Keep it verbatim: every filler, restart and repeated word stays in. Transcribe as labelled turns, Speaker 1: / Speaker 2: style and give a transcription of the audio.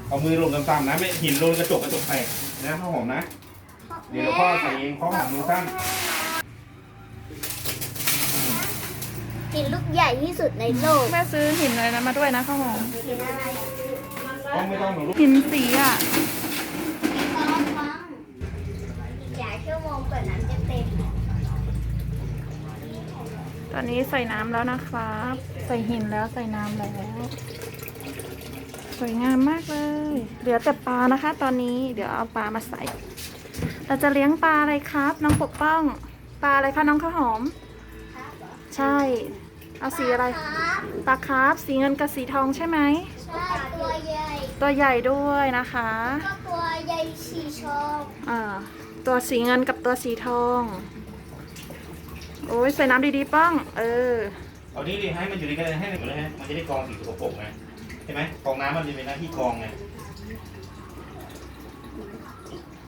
Speaker 1: เอามือลงต่ำๆนะไม่หินลงกระจกกระจกแตกนะข้าวหอมนะเดี๋ยวพ่อใส่เองข้าวหอมมือสั้น
Speaker 2: หินลูกใหญ่ที่สุดในโลก
Speaker 3: แม่ซื้อหินอะไรนะมาด้วยนะข้าวหอม
Speaker 2: หินอะไร
Speaker 1: ต้องไม่ต้องหนูลูก
Speaker 3: หินสีอ่ะ
Speaker 2: ฟังฟังอีกหลายชั่วโมงกว่าน้ำจะเต็ม
Speaker 3: ตอนนี้ใส่น้ำแล้วนะครับ ใส่หินแล้วใส่น้ำแล้ว สวยงามมากเลย เหลือแต่ปลานะคะ ตอนนี้เดี๋ยวเอาปลามาใส่ เราจะเลี้ยงปลาอะไรครับ น้องปกป้อง ปลาอะไรคะน้องข้าวหอม ใช่ เอาสีอะไร
Speaker 2: ครับ
Speaker 3: ปลาคาร์ฟสีเงินกับสีทองใช่ไหม
Speaker 2: ใช่ตัวใหญ่
Speaker 3: ตัวใหญ่ด้วยนะคะ
Speaker 2: ก็ตัวใหญ่สีชอง
Speaker 3: อ่าตัวสีเงินกับตัวสีทอง โอ้ยใส่น้ำดีๆป้อง เออ
Speaker 1: เอานี่ดิให้มันอยู่ในกระดานให้หนึ่งเลยฮะมันจะได้กรองสิ่งสกปรกไงใช่ไหมกรองน้ำมันจะเป็นหน้าที่กรองไง